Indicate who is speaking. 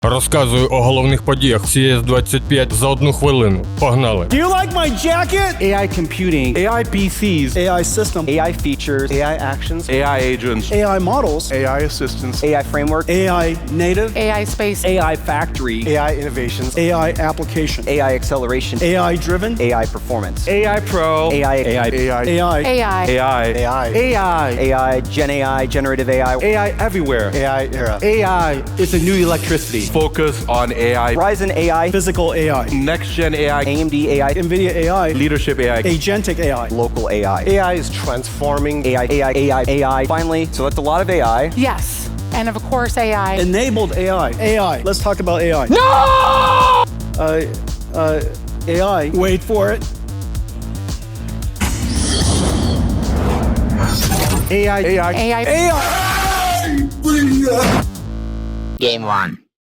Speaker 1: Розказую о головних подіях CS25 за 1 хвилину. Погнали!
Speaker 2: Do you like my jacket? AI computing, AI PCs, AI system,
Speaker 3: AI features, AI actions,
Speaker 4: AI agents,
Speaker 2: AI models,
Speaker 4: AI assistants,
Speaker 3: AI framework,
Speaker 2: AI native,
Speaker 5: AI space,
Speaker 2: AI factory,
Speaker 4: AI innovations,
Speaker 2: AI application,
Speaker 3: AI acceleration,
Speaker 2: AI driven,
Speaker 3: AI performance,
Speaker 4: AI Pro,
Speaker 3: AI,
Speaker 4: AI,
Speaker 2: AI,
Speaker 5: AI,
Speaker 4: AI,
Speaker 3: AI, Gen AI, generative AI,
Speaker 4: AI everywhere.
Speaker 2: AI era,
Speaker 4: AI is the new electricity. Focus on AI,
Speaker 3: Ryzen AI,
Speaker 2: physical AI,
Speaker 4: next gen AI,
Speaker 3: AMD AI,
Speaker 2: NVIDIA AI,
Speaker 4: leadership AI.
Speaker 2: agentic AI.
Speaker 3: local AI,
Speaker 4: AI is transforming
Speaker 3: AI. Finally, so that's a lot of AI.
Speaker 5: yes, and of course AI.
Speaker 2: Enabled AI. AI. Let's talk about AI. No! AI. Wait for it.
Speaker 4: AI.
Speaker 5: AI.
Speaker 2: AI.
Speaker 6: Game 1.